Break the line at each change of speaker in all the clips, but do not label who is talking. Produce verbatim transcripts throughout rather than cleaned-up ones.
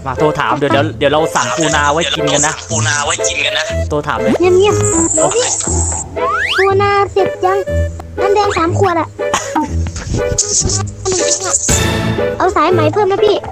มาโทรถามเดี๋ยวเดี๋ยวเดี๋ยวเราสั่งปูนาไว้กินกันนะปูนาไว้กินกันนะโทรถามเลย
เงียบเงียบเดี๋ยวพี่ปูนาเสร็จยังน้ำแดงสามขวดอะเอาสายไหมเพิ่มนะพี่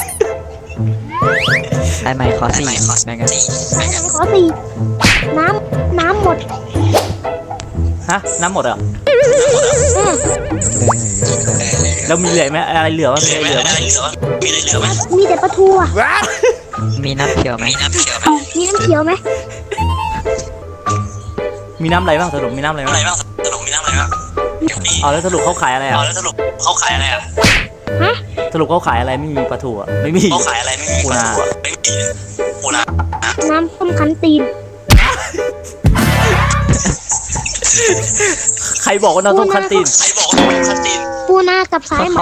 สายไหมขอสี่แบ่งกัน
สายไหมขอสี่น้ำน้ำหมด
ฮะน้ำหมดเหรอแล้วมีเหลือไหมอะไรเหลือวะมีอะไรเหลือไหมมีอะไรเหลือไหม
มีแต่ปลาทูอ่ะ
มีน้ำเขียวไหม
มีน้ำเขียวไหม
มีน้ำอะไรบ้างสรุปมีน้ำอะไรบ้างสรุปมีน้ำอะไรบ้างอ๋อแล้วสรุปเขาขายอะไรอ่ะอ๋อแล้วสรุปเขาขายอะไรอ่ะ
ฮะ
สรุปเขาขายอะไรไม่มีปลาทูอ่ะไม่มีเขาขายอะไรไม่มีปูนาไม่มีปูนา
น้ำต้มคั้นตีน
ใครบอกว่าน้ำต้มคั้นตีนใครบอกว่าน้ำต้มคั้นตีน
ปูนากับสายไหม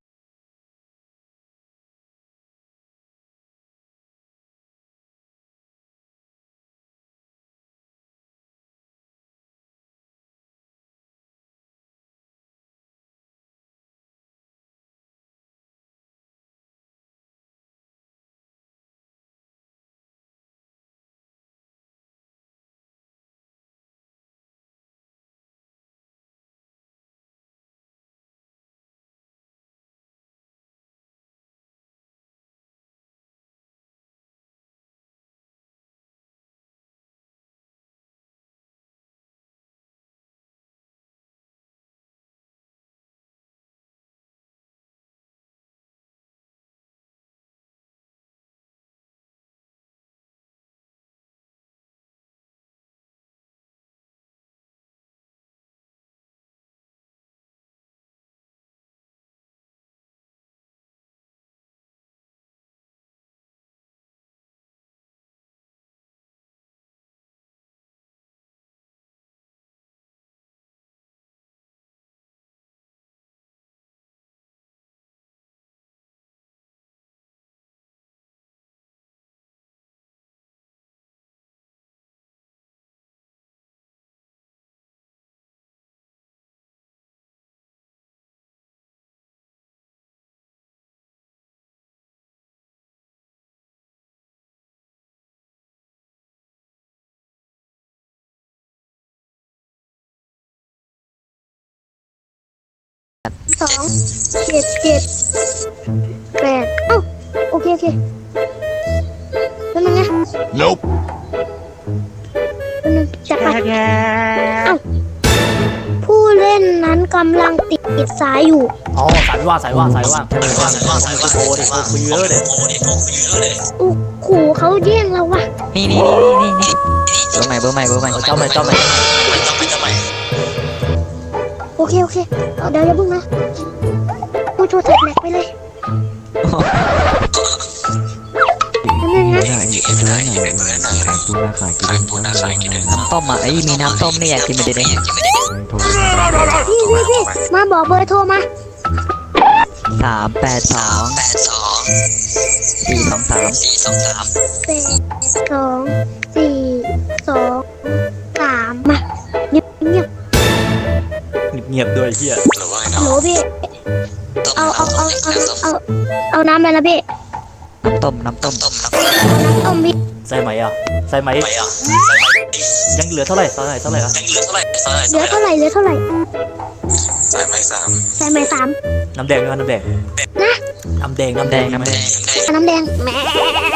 สองเจ็ดเจ็ดแปดเอ้าโอเคโอเคแล้วมันไง
Nope
แล้วนึงจัดไปเอ้าผู้เล่นนั้นกำลังติดสายอยู่
อ๋อสายว่างสายว่างสายว่างสายว่างสายว่างสายว่างโทรดิคุยเยอะเลย
อู้ขู่เขาแย่งเราว่ะ
นี่นี่นี่นี่นี่เบอร์ใหม่เบอร์ใหม่เบอร์ใหม่
เจ้าใหม่เจ้าใหม่เจ้าใหม่เจ้าใหม่
โอเคโอเคเดี๋ยวอย่าเพิ่งนะกูโทรศัพท์แหลกไปเลยนั่นไงนะ
น้ำต้มอ่ะไอ้มีน้ำต้มนี่อยากกินไม่ได้เลย
พี่พี่พี่มาบอกเบอร์โทรมา
สามแปดสองสี่สองสามสี่สองสาม
แปดสองสี่สองสามมาเงียบเงียบ
เงียบด้วยเฮีย
โหลพี่เอาเอาเอาเอาเอาเอาน้ำไปนะพี่
น้ำต้มน้ำต้ม
น้ำต้มพี่
ใส่ไหมอ่ะใส่ไหมยังเหลือเท่าไหร่ใส่ไหมเท่าไหร่อ่ะยังเหลือเท่าไหร่
เหลือเท่าไหร่เหลือเท่าไหร่
ใส่ไหมสาม
ใส่ไหมสาม
น้ำแดงน้ำแดง
นะ
น้ำแดงน้ำแดงน้ำแดง
น้ำแดงแม่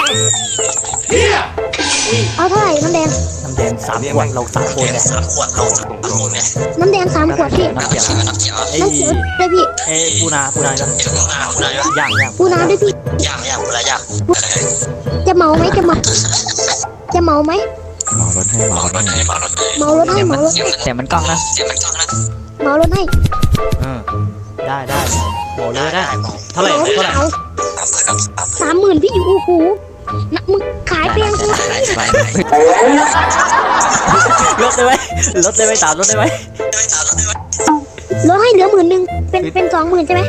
เอาเท่าไหร่น้ำแดง
น้ำแดงสามขวดเราสามคนเนี่ยสามขวดเราสามคนเนี่ย
น้ำแดงสามขวดพี่
น้ำเขียวน้ำเขียว
ไอ้ด้วยพี่
เอ้ปูนาปูนาปูนาปูนาย่างย่าง
ปูนาด้วยพี่
ย่างย่างปูนาย่าง
จะเมาไหมจะเมาจะเมาไหม
เมารถให้เมารถให้เมารถให้
เมารถให้เมารถให้
เสียงมันกล้องนะ
เสียงมันกล้องนะ
เมารถให้
อืมได้ได้โหเลยได้เท่าไหร่เท่าไหร่
สามหมื่นพี่อยู่โอ้โหนักมึงขายเพียงกู
ลดได้ไหมลดได้ไหมสามลดได้ไหม
ลดให้เหลือหมื่นหนึ่งเป็นเป็นสองหมื่นใช่ไหม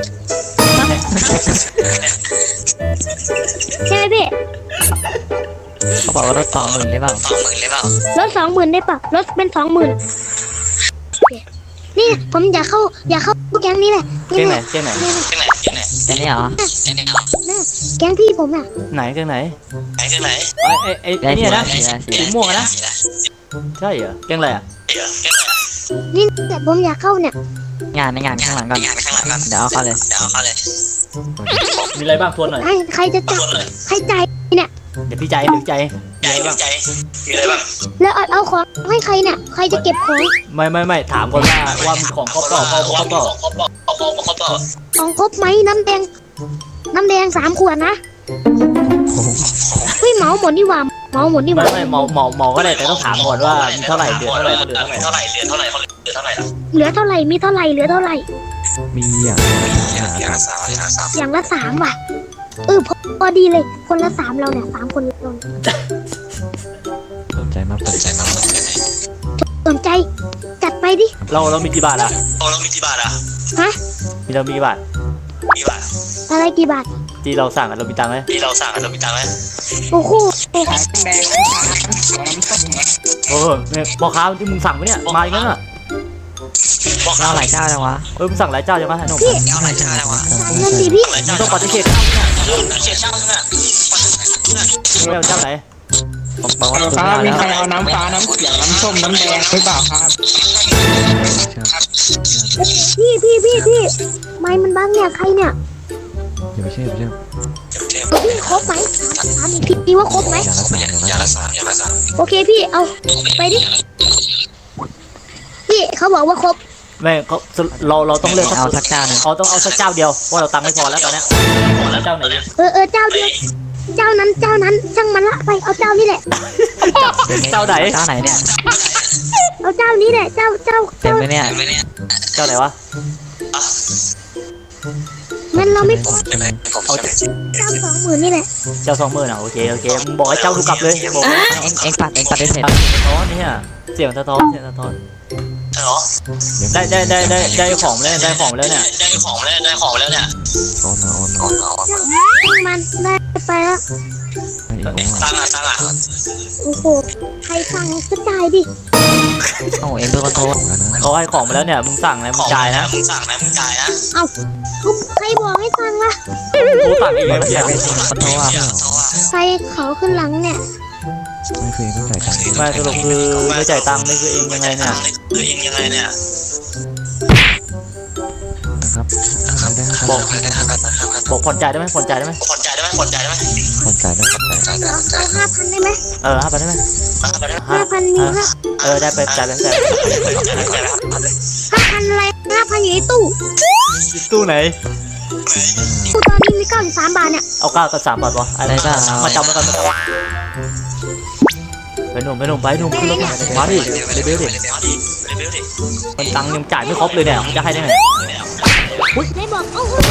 ใช่ไหมพี่
เขาบอกว่ารถสองหมื่นได้เปล่า
สองหมื่นได้เปล่าร
ถสองหมื่นได้ป่ะรถเป็นสองหมื่นนี่ผมอยากเข้าอยากเข้าแก๊งนี้แหละ
แก๊งไหนแก๊งไหนแก๊งไหน
แค่นี้เหรอ
น่ะแก๊งพี่ผมอ่ะ
ไหนแกงไหน
ไหนกันไหน
ไอ้ไอ้ไอ้
ได้
ไอ้เนี่ยนะ
สีอะไรสี
สี
อะไร
ม่วงอะนะใช่เหรอแกงอะไรอ่ะ
นี่แต่ผมอยากเข้าเนี่ย
งานในงานข้างหลังก่อน
งานข้างหลังกัน
เดี๋ยวเอาเข้าเลย
เดี๋ยวเอาเลย
มีอะไรบ้างทวนหน่อย
ใครใครจะจับใครจ่ายเนี่ย
เดี๋ยวพี่ใจเดี๋ยวใจมี
ใจ
อะไรบ้าง
ใจมีอะไรบ้าง
แล้วเอาเอาของให้ใครเนี่ยใครจะเก็บของ
ไม่ไม่ไม่ถามก่อนว่าว่ามีของครบเปล่าครบครบเปล่า
ครบเปล่าครบครบเปล่า
ของครบไหมน้ำแดงน้ำแดงสามขวดนะเฮ้ยเหมาหมดนี่หว่าเหมาหมดนี่ห
ไม่
ว่า
ไม่หมอหมอหมอก็ได้แต่ต้องถามก่อนว่ามีเท่าไหร่เดือนเท่าไหร่เขาเหลือเท่าไหร่
เท่าไหร่เหลือเท่าไหร่เหลือเท่าไหร่
เหลือเท่าไหร่มีเท่าไหร่เหลือเท่าไหร่
มีอย่างอย่างอย่างละสามอย่างละสาม
อย่างละสามว่ะเออพอพอดีเลยคนละสามเราเนี่ยสามคนเราเนี่ย
สนใจมากสนใจมากสนใจ
สนใจจัดไปดิ
เราเรามีกี่บาทอะ
โอ้เรามีกี่บาทอ่ะ
ฮะ
มีเรามีกี่บาท
กี่บาท
อะไรกี่บาท
ที่เราสั่งอะเรามีตังค์ไหม
ที่เราสั่งเรามีตังค์ไหม
โอ้โห
โอ้โหเนี่ยพ่อค้าที่มึงสั่งไปเนี่ยมาอย่างนั้นอ่ะ
เอาหลายเจ้าจังวะ
เอ้ยมึงสั่งหลายเจ้าใช่ไหมไอ้หนุ่ม
เอาอะไรจ้าแล้ววะ
เงินดิพี่
มึงต้องปฏิเสธ
เชียร์ช่างน่ะ
ไม่เอาเจ้าไหน
บอกว่า
ครับ
ไม่
มี
เอา
ใคร
แล้ว
เอาน้ำฟ้าน้ำเขียวน้ำส้มน้ำแดงหรือเปล่าครับ
พี่พี่พี่พี่ไม่มันบ้างเนี่ยใครเนี่ย
อย่าไปเชื่ออย่าไปเชื่อ
พี่ครบไหมถามถามอีกทีพี่ว่าครบไหม
อย่างละสามอย่างละสามอย่างละสาม
โอเคพี่เอาไปดิพี่เขาบอกว่าครบ
ไม่เขาเราเราต้องเลือก
เอาสักเจ้าหนึ่ง
เขาต้องเอาสักเจ้าเดียวเพราะเราตังค์ไม่พอแล้วตอนเนี้ยพอแล้วเจ้าไหนดี
เออเออเจ้าเดียวเจ้านั้นเจ้านั้นช่างมันละไปเอาเจ้านี่แหละ
เจ้าไหน
เจ้าไหนเนี่ย
เอาเจ้านี้แหละเจ้าเจ้า
เต็ม
เจ้า
ไหมเนี่ย
เจ้าไหนวะ
งั้นเราไม่
ผมใช่ไหมผม
เอา
ใช่ไหม
เจ้าสองหมื่นนี่แหละ
เจ้าสองหมื่นอ่ะโอเคโอเคมึงบอกให้เจ้าดูกลับเลยบอก
เอ็งเอ็งปัดเอ็งปัดได้เสร็จ
อ๋อเนี่ยเสียงสะท้อนเสียงสะท้อน
ใช่หรอ
ได้ได้ได้ได้ได้ของแล้วได้ของแล้วเนี่ย
ได้ของแล้วได้ของแล้วเนี่ยโอนมาโอนมาโอนมาโอนมา
ช่างมันได้ไปแล้ว
ตั้งอ่ะตั้งอ่ะ
โอ้โหใครสั่งก็จ่ายดิ
โอ้เอ็งเป็นคนโทร
เขาให้ของมาแล้วเนี่ยมึงสั่งนะมึงจ่ายนะ
มึงสั่งนะมึงจ่ายนะ
เอาใครบอกให้สั่งล่ะ
กูสั่งเองนะเนี่ย
คนโทรอ่ะ
ใครเขาขึ้นหลังเนี่ย
ไม่เคยต้องจ่ายตังค์
ไม่สรุปคือไม่จ่ายตังค์นี่คือเองยังไงเนี่ย
คือเองยังไงเนี่ย
นะครับ
ได้ครับบอกได้ครับ
บอกผ่อนจ่ายได้ไหมผ่อนจ่ายได้ไหม
ผ่อนจ่ายได้ไหมผ่อนจ่ายได้ไหม
ผ่อนจ่ายได้ผ่อนจ่าย
เอาเอาห้าพันได้ไหม
เออห้าพันได้ไหม
ห้าพันมีห้า
เออได้ไปจ่ายไปจ่าย
ห้าพันอะไรห้าพันอยู่ในตู้
ตู้ไหน
ตู้ตอนนี้มีเก้าสิบสามบาทเนี่ย
เอาเก้ากับสามบาทวะอะไร
ได้ป่ะ
มาจำมากันมาจำไปหนุ่มไปหนุ่มไปหนุ่มขึ้นรถมาดิเร็วๆดิมันตังค์ยังจ่ายไม่ครบเลยเนี่ยมึงจะให้ได้ไง
ได้บอกโอ้โห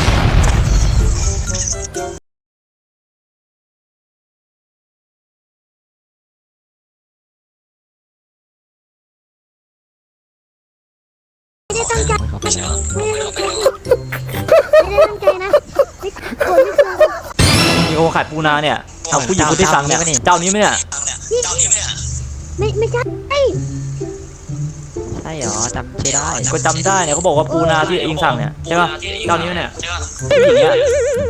ไม่ได้ตั้งใจไม่ได้ตั้งใจนะไม่ควรไม่ควร
มีโอขายปูนาเนี่ยเอาผู้หญิงคนที่สั่งเนี่ยเจ้านี้ไหมเนี่ย
ไม่ไม่ใช่
ใช่เหรอจำชื่อได้
ก็จำได้เนี่ยเขาบอกว่าปูนาที่เองสั่งเนี่ยใช่ป่ะเจ้านี้ไหมเนี่ยผู้หญิงเนี่ย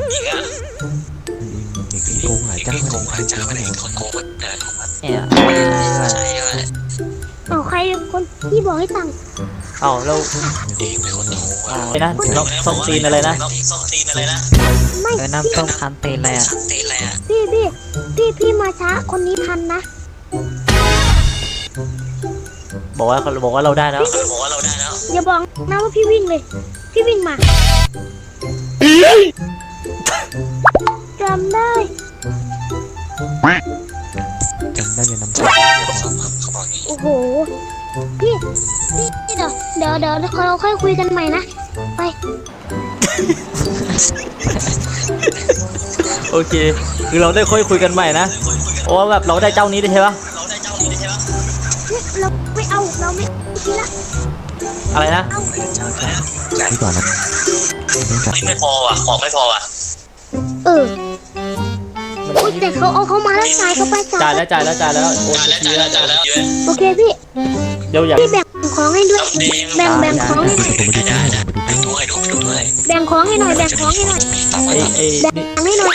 เด็กโกงหลายเจ้า
โก
เลย
งหลายเจ้าเลยคนโกงแต่
เนี่ย
ใช่ด้วย
เอาใครคนที่บอกให้สั่ง
เอาแล้ว
เองเป็นคนโกง
ไอ้นะน้องส้มตีนอะไรนะ
ส้มตีนอะไรนะ
ไม่
เออน้ำส้มคันตีนอะไรอ่ะ
ตีนอะไรอ่ะ
พี่พี่พี่พี่มาช้าคนนี้ทันนะ
บอกว่าเขาบอกว่าเราได้แล้ว
เขาบอกว่าเราได้แล้ว
อย่าบอกนะว่าพี่วิ่งเลย พี่วิ่งมาจำได้
จำได้ยังน้ำใจ
เขาบอกอย่างนี้
โอ้โห พี่ พี่เดี๋ยวเดี๋ยวเดี๋ยวเราค่อยคุยกันใหม่นะ ไป
โอเคคือเราได้ค่อยคุยกันใหม่นะเพราะว่าแบบเราได้เจ้านี้ได้ใช่ปะ
เราได้เจ้านี้ใช่ไหม
เราไม่เอา เราไม่ทีละ
อะไรนะ
เอา
ดีกว่านะไม่จัด
ไม่พอว่ะของไม่พอว่ะ
เออโอ้ยแต่เขาเอาเขามาแล้วจ่ายเขาไป
จ่ายแล้วจ่ายแล้วจ่ายแล้วโอน
จ่าย
ไป
แล้ว
ที
จ่าย
แล้
แล้ว วจ่ายแล้วเยอะ
โอเคพี่
เดี๋ยวอยาก
พี่แบ่งของให้ด้วย แบ่งแบ่งของให้
ผมไปดูด้วยผมไปดูด้วย
ดูให้ดูดู
แบ่งของให้หน่อยแบ่งของให้หน่อย
ไอ้ไอ้
แบ่ง
นี่
ให้หน่อย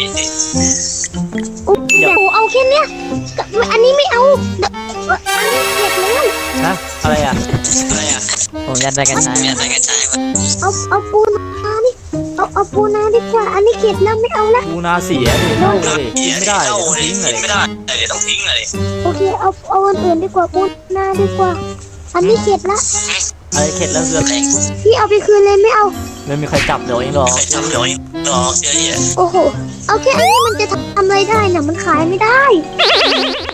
อุ๊ยโอ้เอาแค่เนี้ยอันนี้ไม่เอาอันนี้เก็บแล้ว
นะอะไรอ่ะ
อะไรอ่ะ
ผมยัดไปกันใช้
เนี่ยใส่กระชายมา
เอาเอาปูนานี่เอาเอาปูนาดีกว่าอันนี้เก็บแล้วไม่เอาละ
ปูนาเสียดิเน่าเลยกินไม่ได้ต้องทิ้งเลย
ไม่ได้เดี๋ยวต้องทิ้งเลย
โอเคเอาเอาอันอื่นดีกว่าปูนาดีกว่า อันนี้เก็บละ
อะไรเข็ดแล้วคืออะไร
พี่เอาไปคืนเลยไม่เอา
ไม่มีใครจับเดี๋ยวเองหรอก
ใครจับเดี๋ยวรอเชื่อเหี้ย
โอ้โหเอาแค่อันนี้มันจะทำอะไรได้น่ะมันขายไม่ได้